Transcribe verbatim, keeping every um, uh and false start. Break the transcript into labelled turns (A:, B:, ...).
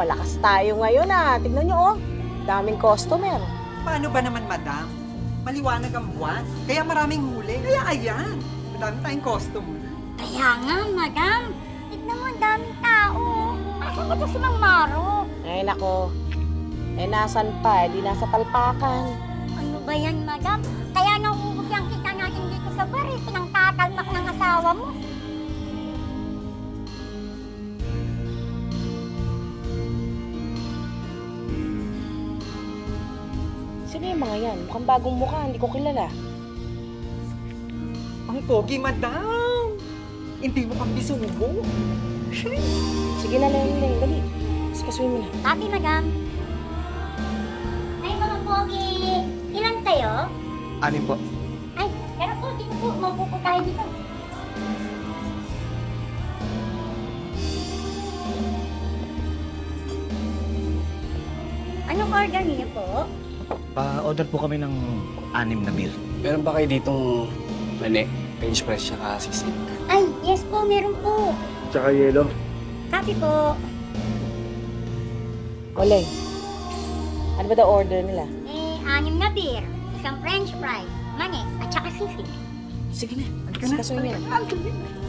A: malakas tayo ngayon ah. Tignan nyo oh, daming customer.
B: Paano ba naman, madam? Maliwanag ang buwan, kaya maraming huli. Kaya ayan, madami tayong customer.
C: Kaya nga, madam. Tignan mo, ang daming tao. Asan ba ito si Mang Maro?
A: Ay nako, eh nasan pa? Eh, di nasa talpakan.
C: Ano ba yan, madam? Kaya nauubos yung kita natin dito sa bar eh. Pinangtatalmak ng asawa mo.
A: Sino yung mga yan? Mukhang bagong mukha, hindi ko kilala.
B: Ang pogi, madam! Hindi mo kang bisubo.
A: Sige na, Leng, Leng, dali. Sikasuin mo na.
C: Sabi, madam. Ay, mga pogi. Ilan kayo?
B: Anin po?
C: Ay, pero po, dito po. Maupo po tayo dito. Anong order niyo po?
D: Pa-order po kami ng anim na beer.
E: Meron ba kayo ditong mani? French press tsaka sisig.
C: Ay, yes po, meron po.
E: Tsaka yelo.
C: Copy po.
A: O, Leng, ano ba daw order nila?
C: Eh, anim na beer, isang french fries, mani, at saka sisig.
A: Sige na,
B: Halika na,
A: sikasuin mo na.
B: halika na.